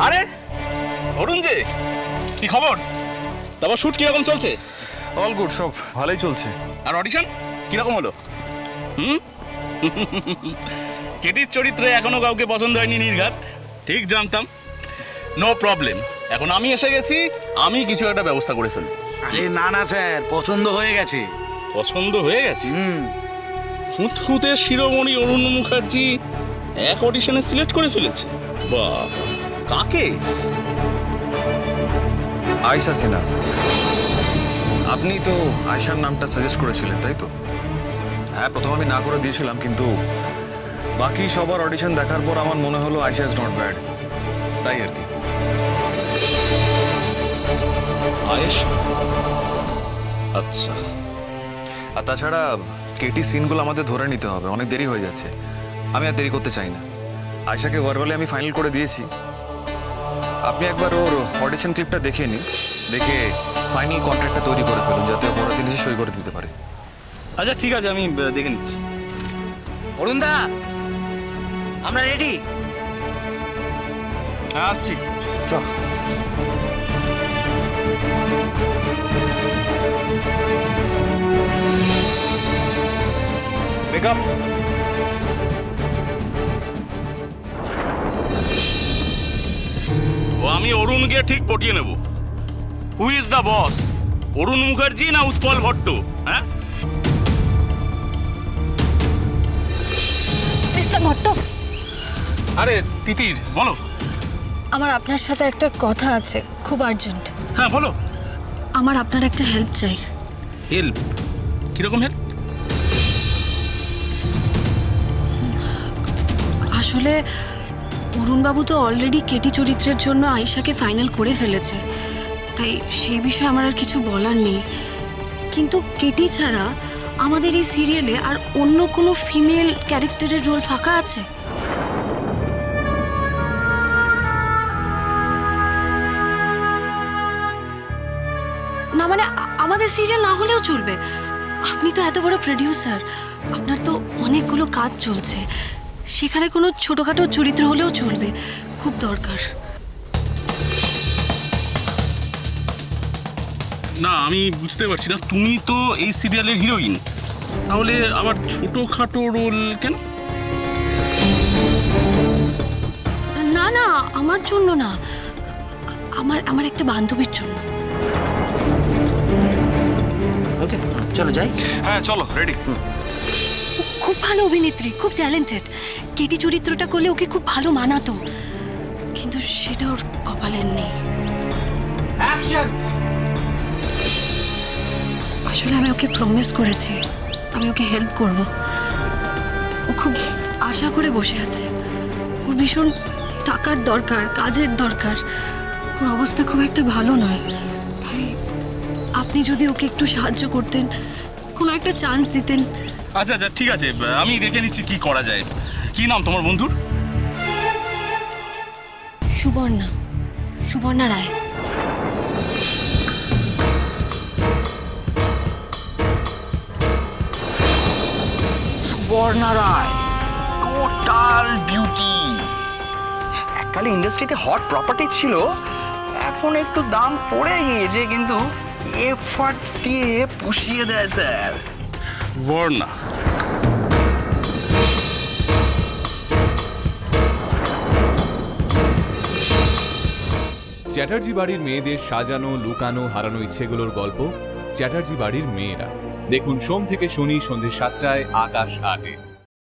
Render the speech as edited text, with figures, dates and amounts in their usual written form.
আরে অরুণ যে, কি খবর? তারপর শুট কিরকম চলছে? অল গুড, সব ভালোই চলছে। আর অডিশন কিরকম হলো? কেটির চরিত্রে এখনো কাউকে পছন্দ হয়নি নির্ঘাত, ঠিক জানতাম। নো প্রবলেম, এখন আমি এসে গেছি, আমি কিছু একটা ব্যবস্থা করে ফেলবো। আরে না না স্যার, পছন্দ হয়ে গেছে। পছন্দ হয়ে গেছে? খুঁতখুঁতে শিরোমণি অরুণ মুখার্জি এক অডিশনে সিলেক্ট করে ফেলেছে। বাহ, কাকে? আয়শা সিনহা। আপনি তো আয়শার নামটা সাজেস্ট করেছিলেন, তাই তো? হ্যাঁ, প্রথম আমি না করে দিয়েছিলাম, কিন্তু বাকি সবার অডিশন দেখার পর আমার মনে হলো আয়শা ইজ নট ব্যাড, তাই আর কি। আয়েশা, আচ্ছা। আর তাছাড়া কেটি সিনগুলো আমাদের ধরে নিতে হবে, অনেক দেরি হয়ে যাচ্ছে। আমি আর দেরি করতে চাই না। আয়শাকে ভার্বালি আমি ফাইনাল করে দিয়েছি। আপনি একবার ওর অডিশন ক্লিপটা দেখে নিন, দেখে ফাইনাল কন্ট্রাক্টটা তৈরি করে ফেলুন, যাতে ও পরের দিন এসে সই করে দিতে পারে। আচ্ছা ঠিক আছে, আমি দেখে নিচ্ছি। অরুণ দা, আমরা রেডি। হ্যাঁ, আসছি। চল। মেকআপ। ও আমি অরুণকে ঠিক পটিয়ে নেব। Who is the boss, Arun Mukherjee না উৎপল ভট্ট? হ্যাঁ, মিস্টার ভট্ট, আরে তিতির বলো। আমার আপনার সাথে একটা কথা আছে, খুব আর্জেন্ট। হ্যাঁ বলো। আমার আপনার একটা হেল্প চাই। হেল্প? কিরকম হেল্প? আসলে অরুণবাবু তো অলরেডি কেটি চরিত্রের জন্য আয়েশাকে ফাইনাল করে ফেলেছে, তাই সেই বিষয়ে আমার আর কিছু বলার নেই। কিন্তু কেটি ছাড়া আমাদের এই সিরিয়ালে আর অন্য কোনো ফিমেল ক্যারেক্টারের রোল ফাঁকা আছে? না মানে আমাদের সিরিয়াল না হলেও চলবে। আপনি তো এত বড় প্রোডিউসার, আপনার তো অনেকগুলো কাজ চলছে, সেখানে কোনো ছোটখাটো চরিত্র হলেও চলবে, খুব দরকার। না আমি বুঝতে পারছি না, তুমি তো এই সিরিয়ালের হিরোইন, তাহলে আবার ছোটখাটো রোল কেন? না না, আমার জন্য না, আমার একটা বান্ধবীর জন্য। ওকে, চলো যাই। হ্যাঁ চলো, রেডি। খুব ভালো অভিনেত্রী, খুব ট্যালেন্টেড। কেটি চরিত্রটা করলে ওকে খুব ভালো মানাতো, কিন্তু সেটা ওর কপালের নেই। আসলে আমি ওকে প্রমিস করেছি আমি ওকে হেল্প করব। ও খুব আশা করে বসে আছে, ওর ভীষণ টাকার দরকার, কাজের দরকার, ওর অবস্থা খুব একটা ভালো নয়। তাই আপনি যদি ওকে একটু সাহায্য করতেন, কোনো একটা চান্স দিতেন। আচ্ছা আচ্ছা ঠিক আছে, আমি দেখে নিচ্ছি কি করা যায়। কি নাম তোমার বন্ধুর? সুবর্ণা, সুবর্ণা রায়। Suborna Roy, total beauty. এককালে ইন্ডাস্ট্রিতে হট প্রপার্টি ছিল, এখন একটু দাম পড়ে গিয়েছে, কিন্তু এফর্ট দিয়ে পুষিয়ে দেয় স্যার। বর্ণা। চ্যাটার্জি বাড়ির মেয়েদের সাজানো, লুকানো, হারানো ইচ্ছেগুলোর গল্প চ্যাটার্জি বাড়ির মেয়েরা। দেখুন সোম থেকে শনি সন্ধ্যে 7টায়, আকাশ 8-এ।